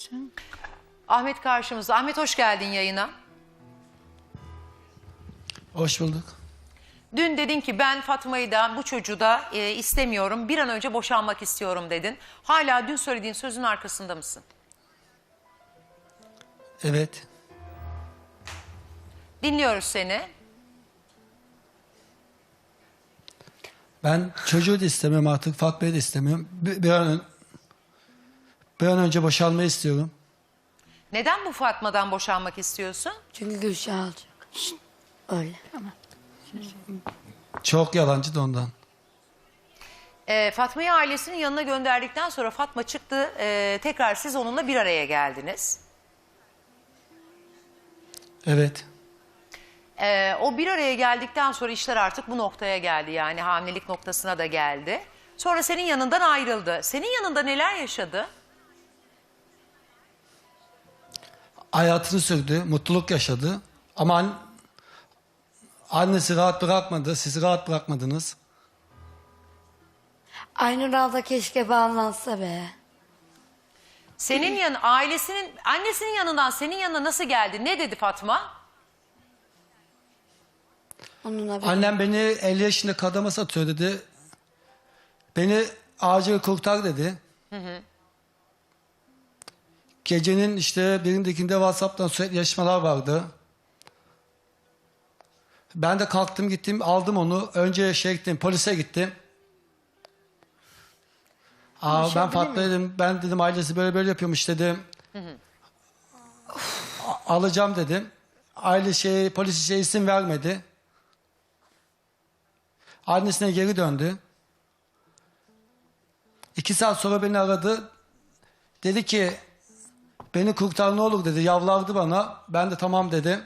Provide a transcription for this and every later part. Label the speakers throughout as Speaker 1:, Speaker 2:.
Speaker 1: Ahmet karşımızda. Ahmet hoş geldin yayına.
Speaker 2: Hoş bulduk.
Speaker 1: Dün dedin ki ben Fatma'yı da bu çocuğu da istemiyorum. Bir an önce boşanmak istiyorum dedin. Hala dün söylediğin sözün arkasında mısın?
Speaker 2: Evet.
Speaker 1: Dinliyoruz seni.
Speaker 2: Ben çocuğu da istemiyorum artık. Fatma'yı da istemiyorum. Bir an önce boşanmayı istiyorum.
Speaker 1: Neden bu Fatma'dan boşanmak istiyorsun?
Speaker 3: Çünkü Gülşah alacak. Öyle ama.
Speaker 2: Çok yalancı da ondan.
Speaker 1: Fatma'yı ailesinin yanına gönderdikten sonra Fatma çıktı. Tekrar siz onunla bir araya geldiniz.
Speaker 2: Evet.
Speaker 1: O bir araya geldikten sonra işler artık bu noktaya geldi. Yani hamilelik noktasına da geldi. Sonra senin yanından ayrıldı. Senin yanında neler yaşadı?
Speaker 2: Hayatını sürdü. Mutluluk yaşadı. Ama annesi rahat bırakmadı. Siz rahat bırakmadınız.
Speaker 3: Aynur abla keşke bağlansa be.
Speaker 1: Senin annesinin yanından senin yanına nasıl geldi? Ne dedi Fatma?
Speaker 3: Onunla bir...
Speaker 2: Annem beni 50 yaşında kadama satıyor dedi. Beni acil kurtar dedi. Gecenin işte birindekinde WhatsApp'tan sürekli yazışmalar vardı. Ben de kalktım gittim aldım onu. Önce gittim polise gittim. Ben Fatma dedim. Ben dedim ailesi böyle böyle yapıyormuş dedim. Alacağım dedim. Polis isim vermedi. Annesine geri döndü. 2 saat sonra beni aradı. Dedi ki beni kurtar ne olur dedi. Yalvardı bana. Ben de tamam dedim.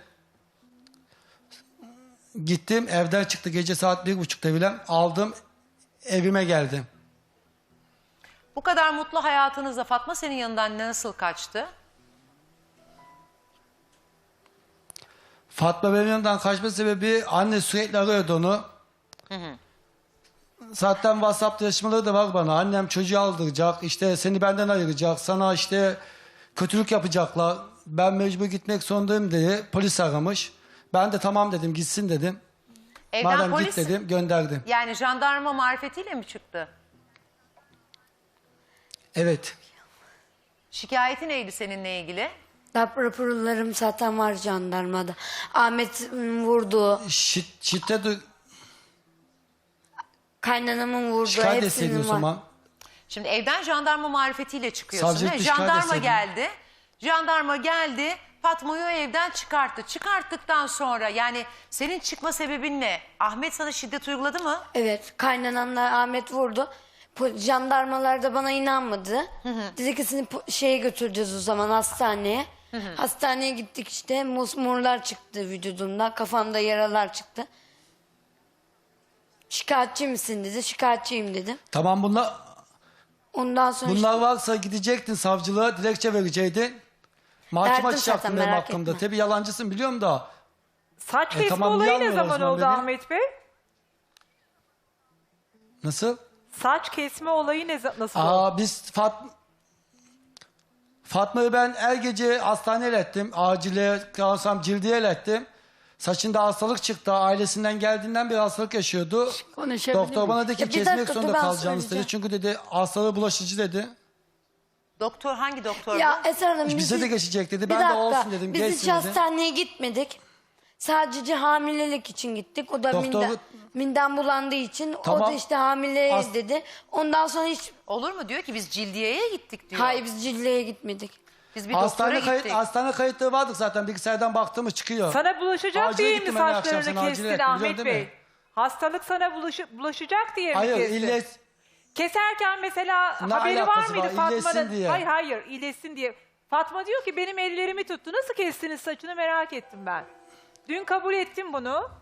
Speaker 2: Gittim evden çıktı gece saat 1.30'da bile. Aldım evime geldim.
Speaker 1: Bu kadar mutlu hayatınızda Fatma senin yanından nasıl kaçtı?
Speaker 2: Fatma benim yanımdan kaçma sebebi anne sürekli arıyordu onu. Zaten WhatsApp yazışmaları da var bana. Annem çocuğu aldıracak, işte seni benden ayıracak, sana işte kötülük yapacaklar. Ben mecbur gitmek zorundayım diye polis aramış. Ben de tamam dedim, gitsin dedim.
Speaker 1: Evden
Speaker 2: Madem
Speaker 1: polis,
Speaker 2: git dedim, gönderdim.
Speaker 1: yani jandarma marifetiyle mi çıktı?
Speaker 2: Evet.
Speaker 1: Şikayeti neydi seninle ilgili?
Speaker 3: Raporlarım zaten var jandarmada. Ahmet vurdu,
Speaker 2: Şiddet
Speaker 3: kaynanamın vurdu,
Speaker 2: şikayet etseydin o
Speaker 3: hepsinin var.
Speaker 2: zaman.
Speaker 1: Şimdi evden jandarma marifetiyle çıkıyorsun.
Speaker 2: Savcılıkta
Speaker 1: He?
Speaker 2: şikayet
Speaker 1: Jandarma
Speaker 2: etseydin.
Speaker 1: geldi. Jandarma geldi. Fatma'yı o evden çıkarttı. Çıkarttıktan sonra yani senin çıkma sebebin ne? Ahmet sana şiddet uyguladı mı?
Speaker 3: Evet, kaynanamla Ahmet vurdu. Jandarmalar da bana inanmadı. Dedi ki seni şeye götüreceğiz o zaman hastaneye. Hastaneye gittik işte mosmorlar çıktı vücudumda. Kafamda yaralar çıktı. Şikayetçi misin dedi. Şikayetçiyim dedim.
Speaker 2: Tamam
Speaker 3: Ondan sonra
Speaker 2: bunlar varsa gidecektin savcılığa, dilekçe verecektin. Mahkeme
Speaker 3: Verdim
Speaker 2: açacaktın
Speaker 3: zaten,
Speaker 2: benim
Speaker 3: merak
Speaker 2: hakkımda.
Speaker 3: etme.
Speaker 2: Tabii yalancısın biliyorum da.
Speaker 4: Saç kesme
Speaker 2: tamam,
Speaker 4: olayı ne
Speaker 2: yanmıyor o
Speaker 4: zaman
Speaker 2: zaman
Speaker 4: oldu
Speaker 2: beni.
Speaker 4: Ahmet Bey?
Speaker 2: Nasıl?
Speaker 4: Saç kesme olayı nasıl oldu?
Speaker 2: Biz Fatma'yı ben her gece hastaneye ilettim. Acile kalsam cildiye ilettim. Saçında hastalık çıktı. Ailesinden geldiğinden beri hastalık yaşıyordu.
Speaker 3: konuşabilir
Speaker 2: Doktor
Speaker 3: miyim?
Speaker 2: bana dedi ki
Speaker 3: Ya bir
Speaker 2: kesmek
Speaker 3: dakika, dur,
Speaker 2: zorunda
Speaker 3: ben
Speaker 2: kalacağınız dedi.
Speaker 3: söyleyeceğim.
Speaker 2: Çünkü dedi hastalığı bulaşıcı dedi.
Speaker 1: Doktor hangi doktor
Speaker 3: Ya
Speaker 1: bu?
Speaker 3: Esra Hanım
Speaker 2: Bize de geçecek dedi.
Speaker 3: Bir
Speaker 2: Ben de
Speaker 3: dakika,
Speaker 2: olsun dedim.
Speaker 3: Biz hiç
Speaker 2: Geçsin dedi.
Speaker 3: hastaneye gitmedik. Sadece hamilelik için gittik. O da
Speaker 2: Doktor-
Speaker 3: midem bulandığı için o
Speaker 2: Tamam.
Speaker 3: da işte hamileyiz dedi. Ondan sonra hiç
Speaker 1: Olur mu diyor ki biz cildiyeye gittik diyor.
Speaker 3: hayır biz cilleye gitmedik.
Speaker 1: Biz bir doktora gittik.
Speaker 2: Hastane kayıtları vardık zaten. Bilgisayardan baktığımız çıkıyor.
Speaker 4: Sana bulaşacak
Speaker 2: Acile
Speaker 4: diye mi
Speaker 2: gittim ben de akşam,
Speaker 4: saçlarını
Speaker 2: sen acile
Speaker 4: kestin
Speaker 2: ettin,
Speaker 4: Ahmet
Speaker 2: biliyorsun değil
Speaker 4: Bey?
Speaker 2: mi?
Speaker 4: Hastalık sana bulaşacak diye mi
Speaker 2: Hayır
Speaker 4: kestin?
Speaker 2: illet.
Speaker 4: Keserken mesela
Speaker 2: Ne
Speaker 4: haberi var
Speaker 2: alakası
Speaker 4: mıydı
Speaker 2: var?
Speaker 4: Fatma'nın?
Speaker 2: İyileşsin diye.
Speaker 4: Hayır iyileşsin diye. Fatma diyor ki benim ellerimi tuttu. Nasıl kestiniz saçını merak ettim ben. Dün kabul ettim bunu.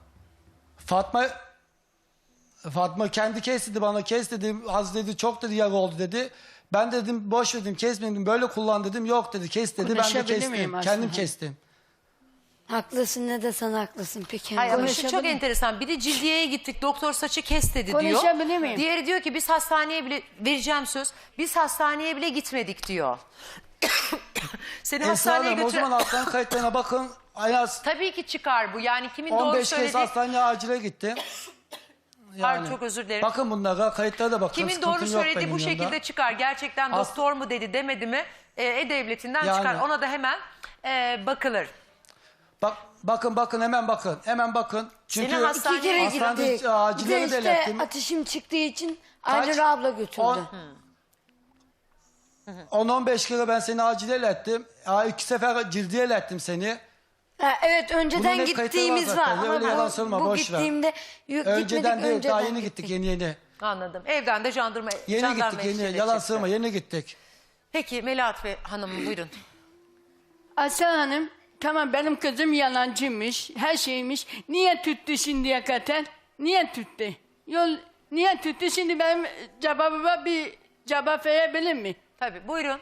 Speaker 2: Fatma kendi kes dedi bana, kes dedi, az dedi, çok dedi yara oldu dedi. Ben dedim boş dedim, kesmedim, böyle kullan dedim, yok dedi, kes dedi, ben de
Speaker 3: Konuşabilir miyim
Speaker 2: kestim,
Speaker 3: aslında?
Speaker 2: kendim kestim.
Speaker 3: Haklısın ne de sen haklısın peki.
Speaker 1: Hayır ama şu
Speaker 3: Konuşabilir
Speaker 1: çok
Speaker 3: miyim?
Speaker 1: enteresan. Biri cildiyeye gittik, doktor saçı kes dedi diyor.
Speaker 3: Konuşabilir miyim?
Speaker 1: Diğeri diyor ki biz hastaneye bile, vereceğim söz, biz hastaneye bile gitmedik diyor. Seni
Speaker 2: Esra
Speaker 1: hastaneye
Speaker 2: Hanım o
Speaker 1: götüren...
Speaker 2: zaman hastane kayıtlarına bakın. En az
Speaker 1: Tabii ki çıkar bu. Yani kimin doğru
Speaker 2: 15 kez
Speaker 1: söylediği...
Speaker 2: hastaneye acile gittim.
Speaker 1: Pardon, çok özür dilerim.
Speaker 2: Bakın bunlara, kayıtlara da bakın.
Speaker 1: Kimin
Speaker 2: sıkıntım
Speaker 1: doğru
Speaker 2: yok
Speaker 1: söylediği
Speaker 2: benim
Speaker 1: bu şekilde
Speaker 2: yanımda.
Speaker 1: çıkar. Gerçekten
Speaker 2: As-
Speaker 1: doktor mu dedi demedi mi E-Devleti'nden
Speaker 2: Yani.
Speaker 1: çıkar. Ona da hemen bakılır.
Speaker 2: Bakın hemen bakın. Hemen bakın. Çünkü
Speaker 1: Seni hastane-
Speaker 3: İki kere
Speaker 2: hastanede
Speaker 3: gittik. Bir de
Speaker 2: acilleri de
Speaker 3: işte
Speaker 2: ilettim.
Speaker 3: ateşim çıktığı için
Speaker 2: Kaç?
Speaker 3: Aynur abla götürdü.
Speaker 2: 10-15 kere ben seni acile ilettim. 2 sefer cildiye ilettim seni.
Speaker 3: Ha, evet
Speaker 2: Bunun
Speaker 3: önceden
Speaker 2: hep kayıtları
Speaker 3: gittiğimiz
Speaker 2: var
Speaker 3: var.
Speaker 2: zaten. Öyle
Speaker 3: Ama
Speaker 2: yalan söyleme,
Speaker 3: bu
Speaker 2: boş ver.
Speaker 3: gittiğimde
Speaker 2: Önceden değil, daha yeni
Speaker 3: gittik.
Speaker 2: gittik yeni.
Speaker 1: Anladım. Evden de jandarma
Speaker 2: Yeni gittik yeni. Yalan
Speaker 1: çıktı.
Speaker 2: söyleme, yeni gittik.
Speaker 1: Peki Melahat Hanım buyurun.
Speaker 5: Aslan Hanım, tamam benim kızım yalancıymış, her şeymiş. Niye tuttu şimdiye kadar? Niye tuttu? Niye tuttu? Şimdi benim cevabıma bir cevap verebilir mi?
Speaker 1: Tabii buyurun.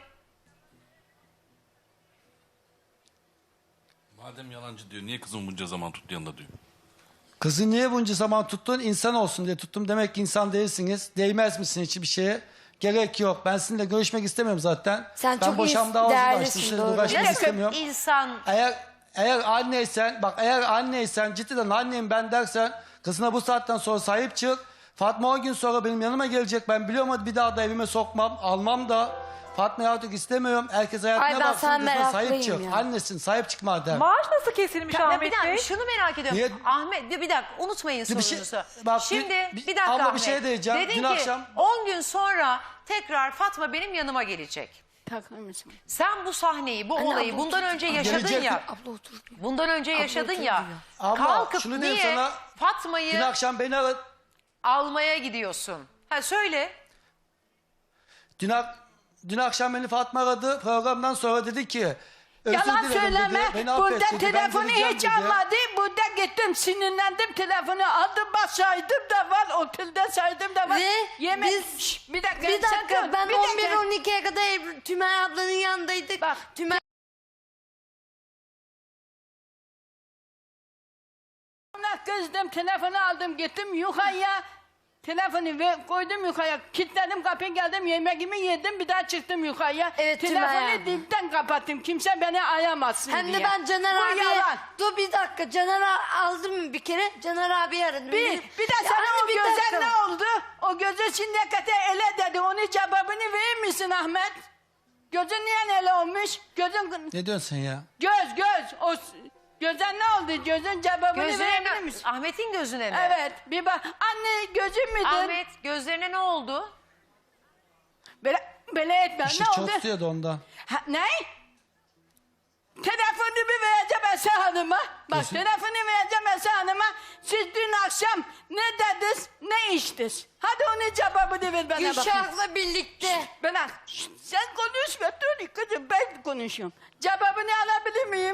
Speaker 6: Madem yalancı diyor, niye kızım bunca zaman tuttu yanında diyor.
Speaker 2: Kızı niye bunca zaman tuttun? İnsan olsun diye tuttum. Demek ki insan değilsiniz. Değmez misin hiçbir şeye? Gerek yok. Ben sizinle görüşmek istemiyorum zaten.
Speaker 3: Sen
Speaker 2: ben
Speaker 3: çok
Speaker 2: boşamda ağzımda açtım.
Speaker 3: değerlisin,
Speaker 2: Sizinle
Speaker 3: doğru.
Speaker 2: uğraşmak
Speaker 1: Nasıl
Speaker 2: istemiyorum.
Speaker 1: insan...
Speaker 2: Eğer anneysen, bak eğer anneysen, cidden anneyim ben dersen, kızına bu saatten sonra sahip çık. Fatma 10 gün sonra benim yanıma gelecek. Ben biliyorum hadi bir daha da evime sokmam, almam da. Fatma'yı artık istemiyorum. Herkes
Speaker 3: Ay,
Speaker 2: hayatına
Speaker 3: ben
Speaker 2: baksın,
Speaker 3: sana
Speaker 2: kızına sahip
Speaker 3: meraklıyım
Speaker 2: çık.
Speaker 3: ya.
Speaker 2: Annesin, sahip çık madem.
Speaker 4: Maaş nasıl kesilmiş
Speaker 1: Ya bir
Speaker 4: Ahmet
Speaker 1: dakika
Speaker 4: Bey?
Speaker 1: şunu merak ediyorum.
Speaker 2: Niye-
Speaker 1: Ahmet bir dakika unutmayın
Speaker 2: Bir şey-
Speaker 1: sorunuzu.
Speaker 2: bak,
Speaker 1: Şimdi
Speaker 2: bir-
Speaker 1: bir dakika
Speaker 2: abla bir
Speaker 1: Ahmet.
Speaker 2: şey diyeceğim.
Speaker 1: Dedin
Speaker 2: Dün
Speaker 1: ki
Speaker 2: akşam-
Speaker 1: 10 gün sonra tekrar Fatma benim yanıma gelecek.
Speaker 5: Takar mısın?
Speaker 1: Sen bu sahneyi, bu
Speaker 3: Anne,
Speaker 1: olayı
Speaker 3: abla
Speaker 1: bundan
Speaker 3: otur.
Speaker 1: önce yaşadın
Speaker 2: Gelecek-
Speaker 1: ya.
Speaker 3: Abla otur.
Speaker 1: Bundan önce yaşadın
Speaker 3: otur
Speaker 1: ya.
Speaker 3: diyor.
Speaker 2: Abla,
Speaker 1: Kalkıp
Speaker 2: şunu diyeyim
Speaker 1: niye
Speaker 2: sana,
Speaker 1: Fatma'yı
Speaker 2: Dün akşam beni aradı.
Speaker 1: almaya gidiyorsun? Ha söyle.
Speaker 2: Dün akşam beni Fatma aradı. Programdan sonra dedi ki özür
Speaker 5: Yalan
Speaker 2: dilerim
Speaker 5: söyleme.
Speaker 2: dedi. Beni affet
Speaker 5: Burada
Speaker 2: dedi. Ben
Speaker 5: telefonu
Speaker 2: geleceğim
Speaker 5: hiç
Speaker 2: dedi.
Speaker 5: almadı. Burada gittim sinirlendim. Telefonu aldım saydım da var. Otelde saydım da var.
Speaker 3: Ve
Speaker 5: Yemek.
Speaker 3: biz-
Speaker 5: Şşş, bir dakika.
Speaker 3: Bir
Speaker 5: sen
Speaker 3: dakika
Speaker 5: dur,
Speaker 3: ben
Speaker 5: bir dakika.
Speaker 3: 11-12'ye kadar Tümer ablanın yanındaydık.
Speaker 5: Bak.
Speaker 3: Tümer
Speaker 5: Ona kızdım, telefonu aldım, gittim yukarıya. Telefonu koydum yukarıya, kilitledim kapıyı, geldim yemeğimi yedim, bir daha çıktım yukarıya.
Speaker 3: Evet, Tümay
Speaker 5: telefonu
Speaker 3: abla.
Speaker 5: dipten kapattım, kimse beni arayamazsın
Speaker 3: hem
Speaker 5: diye.
Speaker 3: de ben Caner
Speaker 5: Bu
Speaker 3: abiye...
Speaker 5: yalan.
Speaker 3: Dur bir dakika Caner aldım bir kere. Caner abi aradım.
Speaker 5: Bir de
Speaker 3: Ya
Speaker 5: sana
Speaker 3: anne,
Speaker 5: o
Speaker 3: bir
Speaker 5: göze
Speaker 3: dakika.
Speaker 5: ne oldu? O göze şimdiye kadar ele dedi, onun cevabını verir misin Ahmet? Gözün niye ele olmuş? Gözün...
Speaker 2: Ne diyorsun sen ya?
Speaker 5: Göz, o... Göze ne oldu? Gözün cevabını
Speaker 1: Gözüne
Speaker 5: verebilir
Speaker 1: mi?
Speaker 5: misin?
Speaker 1: Ahmet'in gözüne mi?
Speaker 5: Evet, bir bak. Anne gözün müdür?
Speaker 1: Ahmet gözlerine ne oldu?
Speaker 5: Böyle etme.
Speaker 2: İşi
Speaker 5: Ne
Speaker 2: çok
Speaker 5: oldu?
Speaker 2: tutuyordu ondan.
Speaker 5: Ha, ne? Telefonumu vereceğim Esra Hanım'a. Bak
Speaker 2: Kesin.
Speaker 5: telefonu vereceğim Esra Hanım'a. Siz dün akşam ne dediniz, ne içtiniz? Hadi onun cevabını ver bana bakayım.
Speaker 3: Gülşah'la birlikte.
Speaker 5: Bana sen konuşma dur kızım ben konuşuyorum. Cevabını alabilir miyim?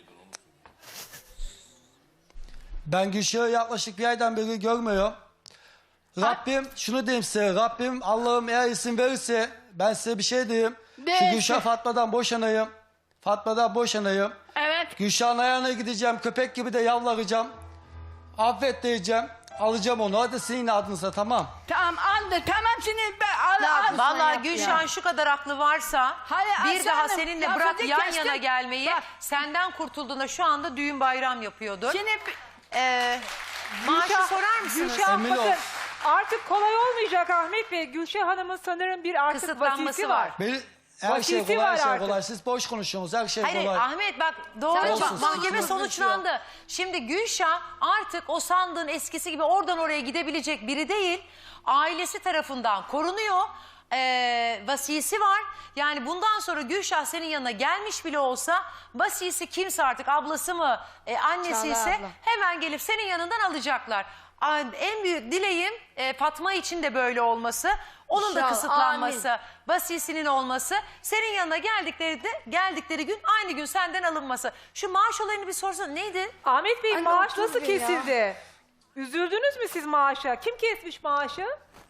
Speaker 2: Ben Gülşah'ı yaklaşık bir aydan beri görmüyorum. Rabbim şunu diyeyim size. Rabbim Allah'ım eğer izin verirse ben size bir şey diyeyim. Şu
Speaker 5: Neyse.
Speaker 2: Gülşah Fatma'dan boşanayım. Fatma'dan boşanayım.
Speaker 5: Evet.
Speaker 2: Gülşah'ın ayağına gideceğim. Köpek gibi de yavlaracağım. Affet diyeceğim. Alacağım onu. Hadi senin adınıza tamam.
Speaker 5: Tamam aldı. Tamam şimdi ben al.
Speaker 1: Vallahi
Speaker 5: yap
Speaker 1: Gülşah'ın
Speaker 5: ya.
Speaker 1: şu kadar aklı varsa
Speaker 5: Hayır,
Speaker 1: bir
Speaker 5: Aslı
Speaker 1: daha
Speaker 5: Hanım,
Speaker 1: seninle
Speaker 5: lafınızı
Speaker 1: bırak yan
Speaker 5: kestim.
Speaker 1: yana gelmeyi,
Speaker 5: Bak.
Speaker 1: senden kurtulduğunda şu anda düğün bayram yapıyordur.
Speaker 5: Şimdi
Speaker 1: Maaşı
Speaker 4: Gülşah-
Speaker 1: sorar mısınız?
Speaker 4: Gülşah
Speaker 2: Emin ol.
Speaker 4: bakın artık kolay olmayacak Ahmet Bey. Gülşah Hanım'ın sanırım bir artık
Speaker 1: Kısıtlanması
Speaker 4: vasisi
Speaker 1: var.
Speaker 4: var.
Speaker 2: Her şey
Speaker 4: Vasisi
Speaker 2: kolay, her
Speaker 4: var
Speaker 2: şey
Speaker 4: artık.
Speaker 2: kolay. Siz boş konuşuyorsunuz. Her şey
Speaker 1: Hayır
Speaker 2: kolay.
Speaker 1: Ahmet bak doğru
Speaker 3: Sen
Speaker 1: bak,
Speaker 3: çok
Speaker 1: mahkeme
Speaker 3: doğru
Speaker 1: sonuçlandı. Şimdi Gülşah artık o sandığın eskisi gibi oradan oraya gidebilecek biri değil. Ailesi tarafından korunuyor. Vasisi var. Yani bundan sonra Gülşah senin yanına gelmiş bile olsa vasisi kimse artık ablası mı annesi
Speaker 3: Çağla
Speaker 1: ise
Speaker 3: abla.
Speaker 1: hemen gelip senin yanından alacaklar. En büyük dileğim Fatma için de böyle olması. Onun da
Speaker 3: İnşallah,
Speaker 1: kısıtlanması, vasisinin olması, senin yanına geldikleri gün aynı gün senden alınması. Şu maaş olayını bir sorsana neydi?
Speaker 4: Ahmet Bey
Speaker 3: Anne,
Speaker 4: maaş
Speaker 3: otur
Speaker 4: nasıl
Speaker 3: bir ya.
Speaker 4: kesildi? Üzüldünüz mü siz maaşa? Kim kesmiş maaşı?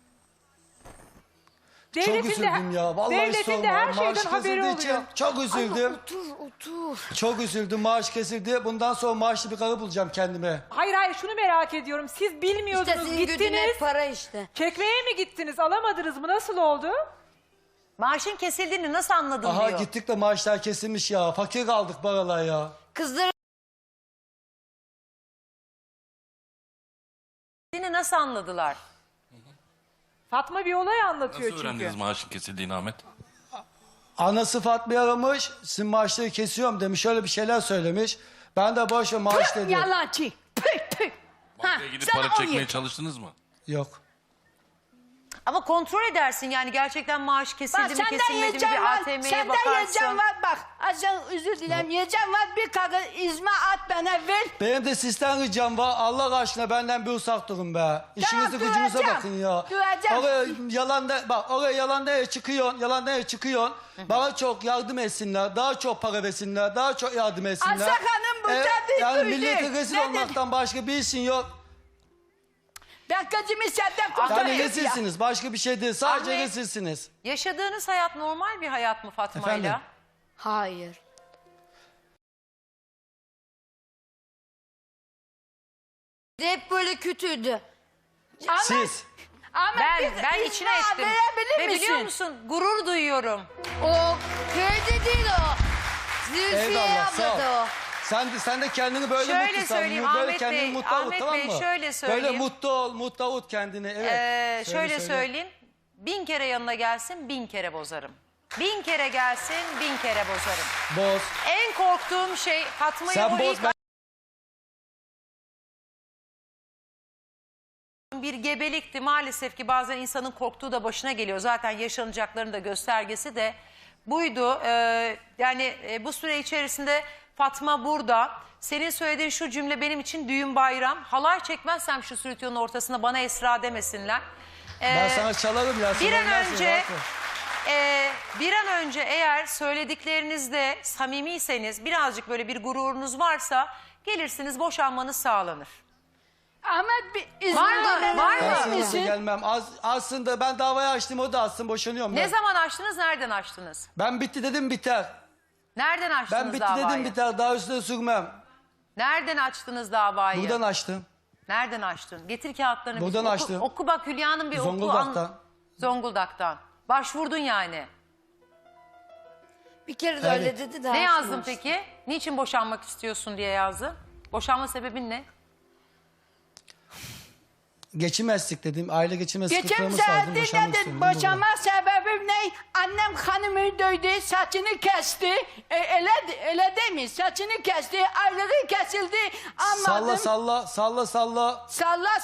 Speaker 2: Çok üzüldüm ya. Vallahi
Speaker 4: devletin de
Speaker 2: sorma.
Speaker 4: her
Speaker 2: Maaş
Speaker 4: şeyden haberi
Speaker 2: kesildiği için
Speaker 4: oluyor.
Speaker 2: çok üzüldüm.
Speaker 3: Otur.
Speaker 2: Çok üzüldüm. Maaş kesildi. Bundan sonra maaşlı bir karı bulacağım kendime.
Speaker 4: Hayır şunu merak ediyorum. Siz
Speaker 3: İşte
Speaker 4: bilmiyordunuz
Speaker 3: senin gücün
Speaker 4: gittiniz.
Speaker 3: hep para işte.
Speaker 4: Çekmeye mi gittiniz? Alamadınız mı? Nasıl oldu?
Speaker 1: Maaşın kesildiğini nasıl anladın
Speaker 2: Aha
Speaker 1: diyor.
Speaker 2: gittik de maaşlar kesilmiş ya. Fakir kaldık paralar ya.
Speaker 3: Kızları
Speaker 1: Nasıl anladılar?
Speaker 4: Fatma bir olay anlatıyor
Speaker 6: Nasıl
Speaker 4: çünkü.
Speaker 6: öğrendiniz maaşın kesildiğini Ahmet?
Speaker 2: Anası Fatma'yı aramış. Sizin maaşları kesiyorum demiş. Öyle bir şeyler söylemiş. Ben de boş ver maaş
Speaker 5: Tüh,
Speaker 2: dedim.
Speaker 5: yalancı. Tüh tüh.
Speaker 6: Bankaya gidip
Speaker 5: sana
Speaker 6: para
Speaker 5: on
Speaker 6: çekmeye
Speaker 5: yedi.
Speaker 6: çalıştınız mı?
Speaker 2: Yok.
Speaker 1: Ama kontrol edersin yani gerçekten maaş kesildi
Speaker 5: Bak
Speaker 1: mi
Speaker 5: senden
Speaker 1: kesilmedi mi
Speaker 5: yiyeceğim
Speaker 1: bir
Speaker 5: var.
Speaker 1: ATM'ye
Speaker 5: Senden
Speaker 1: bakarsın.
Speaker 5: yiyeceğim var. Bak Azcan özür dilerim. Yiyeceğim var. Bir kağıt izme at bana ver.
Speaker 2: Benim de sizden ricam var. Allah aşkına benden bir uzak durun be. İşinize gücünüze
Speaker 5: duyacağım.
Speaker 2: bakın ya.
Speaker 5: Duyacağım.
Speaker 2: Oraya yalanda bak oraya yalanda çıkıyorsun. Yalanda çıkıyorsun. Bana çok yardım etsinler. Daha çok para versinler. Daha çok yardım etsinler.
Speaker 5: Aslan Hanım bu tabii
Speaker 2: Yani
Speaker 5: duydu.
Speaker 2: millete rezil
Speaker 5: Ne
Speaker 2: olmaktan başka bir işin yok.
Speaker 5: Ben kızımı senden
Speaker 2: Yani
Speaker 5: kurtarayım ya.
Speaker 2: rezilsiniz. Başka bir şey değil. Sadece
Speaker 1: Ahmet.
Speaker 2: rezilsiniz.
Speaker 1: Yaşadığınız hayat normal bir hayat mı Fatma'yla?
Speaker 2: Efendim?
Speaker 3: hayır. Hep böyle kötüydü.
Speaker 5: Ama,
Speaker 2: Siz.
Speaker 5: ama
Speaker 1: Ben
Speaker 5: bir
Speaker 1: içine
Speaker 5: izna
Speaker 1: ettim.
Speaker 5: verebilir
Speaker 1: Ve
Speaker 5: misin?
Speaker 1: biliyor musun gurur duyuyorum.
Speaker 3: O köyde değil o. Zülfiye
Speaker 2: Eyvallah sağ ol.
Speaker 3: ablada o.
Speaker 2: Sen de kendini böyle
Speaker 1: Şöyle
Speaker 2: mutlu san.
Speaker 1: söyleyeyim,
Speaker 2: Böyle
Speaker 1: Ahmet
Speaker 2: kendini
Speaker 1: Bey,
Speaker 2: mutlu ol,
Speaker 1: Ahmet
Speaker 2: tamam
Speaker 1: Bey,
Speaker 2: mı?
Speaker 1: şöyle söyleyeyim.
Speaker 2: Böyle mutlu ol, mutlu ol kendini. Evet.
Speaker 1: Şöyle
Speaker 2: söyle.
Speaker 1: söyleyeyim. 1000 kere yanına gelsin 1000 kere bozarım. 1000 kere gelsin 1000 kere bozarım.
Speaker 2: Boz.
Speaker 1: En korktuğum şey Fatma'yı
Speaker 2: Sen
Speaker 1: o
Speaker 2: boz
Speaker 1: ilk
Speaker 2: ben.
Speaker 1: bir gebelikti. Maalesef ki bazen insanın korktuğu da başına geliyor. Zaten yaşanacakların da göstergesi de buydu. Bu süre içerisinde Fatma burada. Senin söylediğin şu cümle benim için düğün bayram. Halay çekmezsem şu stüdyonun ortasına bana Esra demesinler.
Speaker 2: Ben sana çalarım ya.
Speaker 1: Bir
Speaker 2: sen
Speaker 1: an
Speaker 2: olmazsın,
Speaker 1: önce
Speaker 2: rahat ol.
Speaker 1: bir an önce eğer söylediklerinizde samimiyseniz birazcık böyle bir gururunuz varsa gelirsiniz boşanmanız sağlanır.
Speaker 5: Ama bir izna
Speaker 1: Var mı?
Speaker 5: verebilir
Speaker 1: Var mı?
Speaker 2: Ben
Speaker 5: misin?
Speaker 2: sana gelmem. Aslında ben davayı açtım, o da açsın, boşanıyorum
Speaker 1: Ne
Speaker 2: ben.
Speaker 1: zaman açtınız, nereden açtınız?
Speaker 2: Ben bitti dedim biter.
Speaker 1: Nereden açtınız
Speaker 2: Ben bitti
Speaker 1: davayı?
Speaker 2: dedim biter. Daha üstüne sürmem.
Speaker 1: Nereden açtınız davayı?
Speaker 2: Buradan açtım.
Speaker 1: Nereden açtın? Getir kağıtlarını.
Speaker 2: Buradan
Speaker 1: Oku-
Speaker 2: açtım.
Speaker 1: Oku bak Hülya'nın bir oku.
Speaker 2: Zonguldak'tan.
Speaker 1: Zonguldak'tan. Başvurdun yani.
Speaker 3: Bir kere de
Speaker 2: Evet.
Speaker 3: öyle dedi de.
Speaker 1: Ne yazdın
Speaker 3: açmamış.
Speaker 1: peki? Niçin boşanmak istiyorsun diye yazdın. Boşanma sebebin ne?
Speaker 2: Geçimezlik dedim. Aile geçimez
Speaker 5: Geçen
Speaker 2: sıkıntılarımız vardı.
Speaker 5: saati
Speaker 2: Boşanmak
Speaker 5: nedir?
Speaker 2: istiyorum.
Speaker 5: Boşanma sebebim ne? Annem hanımı dövdü, saçını kesti. Öyle değil mi? Saçını kesti, ayları kesildi. Anladım.
Speaker 2: Salla.
Speaker 5: Salla.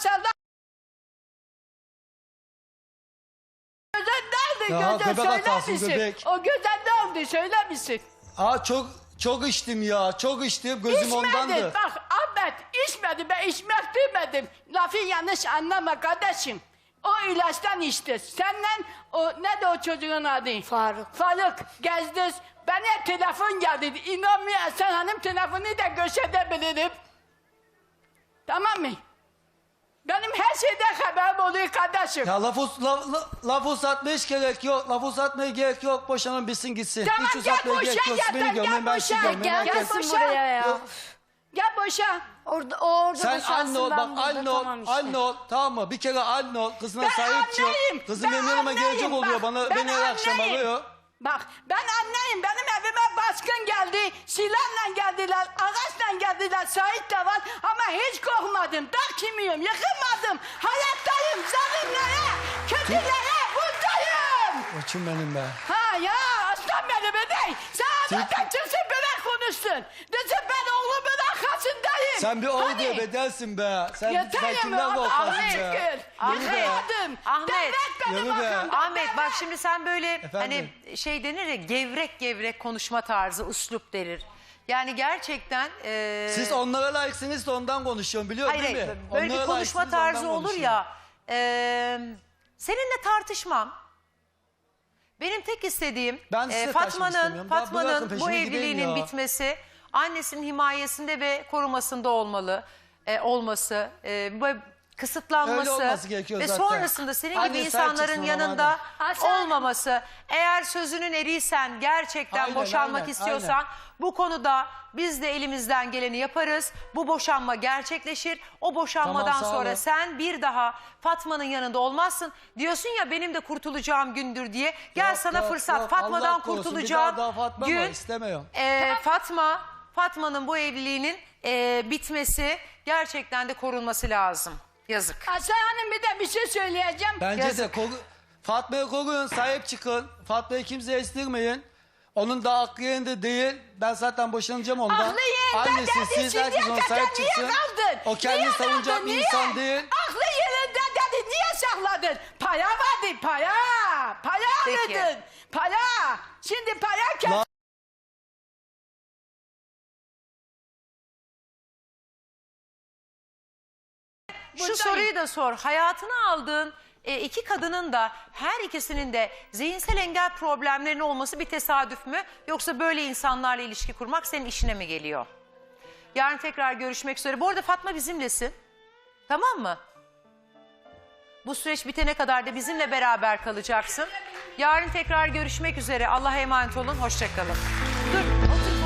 Speaker 5: Gözden ne
Speaker 2: Ya,
Speaker 5: oldu? Gözden
Speaker 2: göbek
Speaker 5: söyler
Speaker 2: atarsın,
Speaker 5: misin?
Speaker 2: göbek.
Speaker 5: O gözden ne oldu? Söyler misin?
Speaker 2: Aa çok içtim ya. Çok içtim. Gözüm ondandı.
Speaker 5: İçmedin. Bak Ahmet içmedi. Ben içmek demedim. Lafı yanlış anlama kardeşim. O ilaçtan içti. Senden o ne de o çocuğun adı?
Speaker 3: Faruk.
Speaker 5: Faruk gezdiniz. Bana telefon geldi. İnanmıyorsan hanım telefonu da gösterebilirim. Tamam mı? Benim her şeyden haberim oluyor kardeşim.
Speaker 2: Ya laf uzatmaya hiç gerek yok. Laf uzatmaya gerek yok. Boşanın bitsin gitsin.
Speaker 5: Tamam,
Speaker 2: hiç
Speaker 5: gel
Speaker 2: uzatmaya gerek
Speaker 5: boşa,
Speaker 2: yok.
Speaker 5: yeter,
Speaker 2: Beni
Speaker 5: gel
Speaker 2: gömün ben sizi
Speaker 5: boşa.
Speaker 2: gömün.
Speaker 3: Gel
Speaker 2: Herkes-
Speaker 3: gelsin
Speaker 5: boşa.
Speaker 3: buraya ya.
Speaker 2: Yok.
Speaker 5: Gel boşa.
Speaker 3: Orada
Speaker 2: Sen
Speaker 3: boşansın,
Speaker 2: anne ol
Speaker 3: ben
Speaker 2: bak
Speaker 3: burada,
Speaker 2: anne ol.
Speaker 3: tamam işte.
Speaker 2: Anne ol tamam mı? Bir kere anne ol. Kızına
Speaker 5: Ben
Speaker 2: sahip çık.
Speaker 5: anneyim,
Speaker 2: Kızım
Speaker 5: ben
Speaker 2: benim yanıma
Speaker 5: anneyim,
Speaker 2: gelecek oluyor.
Speaker 5: bak,
Speaker 2: Beni her akşam
Speaker 5: anneyim.
Speaker 2: arıyor.
Speaker 5: Bak ben anneyim, benim evime baskın geldi, silahla geldiler, ağaçla geldiler, Sait de var ama hiç korkmadım, dak yemiyorum, yıkılmadım, hayattayım, zalimlere, kötülere buradayım.
Speaker 2: Koçum benim be.
Speaker 5: Ha ya aslan benim değil, sen anlatan kimsin böyle konuşsun, desin ben oğlumun arkasındayım.
Speaker 2: Sen bir oğul
Speaker 5: Hani?
Speaker 2: diye bedelsin be. Sen
Speaker 5: Yeter
Speaker 2: kimden
Speaker 5: ya,
Speaker 2: korkarsın
Speaker 5: Allah'a
Speaker 2: be?
Speaker 5: şükür,
Speaker 1: Ahmet,
Speaker 5: yıkılmadım,
Speaker 1: Ahmet,
Speaker 5: devlet benim
Speaker 2: yürü be.
Speaker 5: arkamda,
Speaker 1: Ahmet bak
Speaker 5: devlet.
Speaker 1: şimdi sen böyle
Speaker 2: Efendim?
Speaker 1: hani şey denir ya gevrek konuşma tarzı, üslup denir. Yani gerçekten
Speaker 2: Siz onlara layıksınız da ondan konuşuyorum biliyor
Speaker 1: hayır,
Speaker 2: değil mi?
Speaker 1: hayır, böyle bir
Speaker 2: Onlara
Speaker 1: konuşma
Speaker 2: layıksınız,
Speaker 1: tarzı
Speaker 2: ondan
Speaker 1: olur
Speaker 2: konuşuyorum.
Speaker 1: ya. Seninle tartışmam. Benim tek istediğim
Speaker 2: Ben size tartışmak istemiyorum. Bırakın
Speaker 1: Fatma'nın bu
Speaker 2: peşime gideyim
Speaker 1: evliliğinin
Speaker 2: ya.
Speaker 1: bitmesi, annesinin himayesinde ve korumasında olması. kısıtlanması
Speaker 2: Öyle olması gerekiyor
Speaker 1: ve
Speaker 2: zaten.
Speaker 1: sonrasında senin gibi
Speaker 2: Anne sahip
Speaker 1: insanların
Speaker 2: çıksın
Speaker 1: yanında
Speaker 5: Aslan-
Speaker 1: olmaması. Eğer sözünün eriysen, gerçekten
Speaker 2: Aynen,
Speaker 1: boşanmak
Speaker 2: aynen,
Speaker 1: istiyorsan
Speaker 2: aynen.
Speaker 1: bu konuda biz de elimizden geleni yaparız. Bu boşanma gerçekleşir. O boşanmadan
Speaker 2: Tamam, sağ
Speaker 1: sonra
Speaker 2: olun.
Speaker 1: sen bir daha Fatma'nın yanında olmazsın. Diyorsun ya benim de kurtulacağım gündür diye. Gel
Speaker 2: Yok,
Speaker 1: sana
Speaker 2: yok,
Speaker 1: fırsat.
Speaker 2: yok.
Speaker 1: Fatma'dan
Speaker 2: Allah korusun,
Speaker 1: kurtulacağın
Speaker 2: bir daha Fatma mı?
Speaker 1: gün
Speaker 2: İstemiyorum.
Speaker 1: Fatma'nın bu evliliğinin bitmesi, gerçekten de korunması lazım. Yazık.
Speaker 5: Aslan Hanım bir de bir şey söyleyeceğim.
Speaker 2: Bence
Speaker 1: Yazık.
Speaker 2: de Fatma'yı koruyun, sahip çıkın. Fatma'yı kimseye estirmeyin. Onun da aklı yerinde değil. Ben zaten boşanacağım ondan.
Speaker 5: Aklı yerinde
Speaker 2: Annesi,
Speaker 5: dedi,
Speaker 2: siz
Speaker 5: şimdiye
Speaker 2: herkes ona
Speaker 5: kadar
Speaker 2: sahip
Speaker 5: niye
Speaker 2: çıksın.
Speaker 5: kaldın?
Speaker 2: O kendini
Speaker 5: Niye
Speaker 2: savunacak
Speaker 5: kaldın,
Speaker 2: bir
Speaker 5: niye?
Speaker 2: insan değil.
Speaker 5: Aklı yerinde dedi, niye sakladın? Para vardı, para. Para
Speaker 1: Peki.
Speaker 5: alırdın, para. Şimdi para kes.
Speaker 2: La-
Speaker 1: Şu
Speaker 5: Buradayım.
Speaker 1: soruyu da sor. Hayatını aldığın iki kadının da her ikisinin de zihinsel engel problemlerinin olması bir tesadüf mü? Yoksa böyle insanlarla ilişki kurmak senin işine mi geliyor? Yarın tekrar görüşmek üzere. Bu arada Fatma bizimlesin. Tamam mı? Bu süreç bitene kadar da bizimle beraber kalacaksın. Yarın tekrar görüşmek üzere. Allah'a emanet olun. Hoşça kalın. Dur, otur.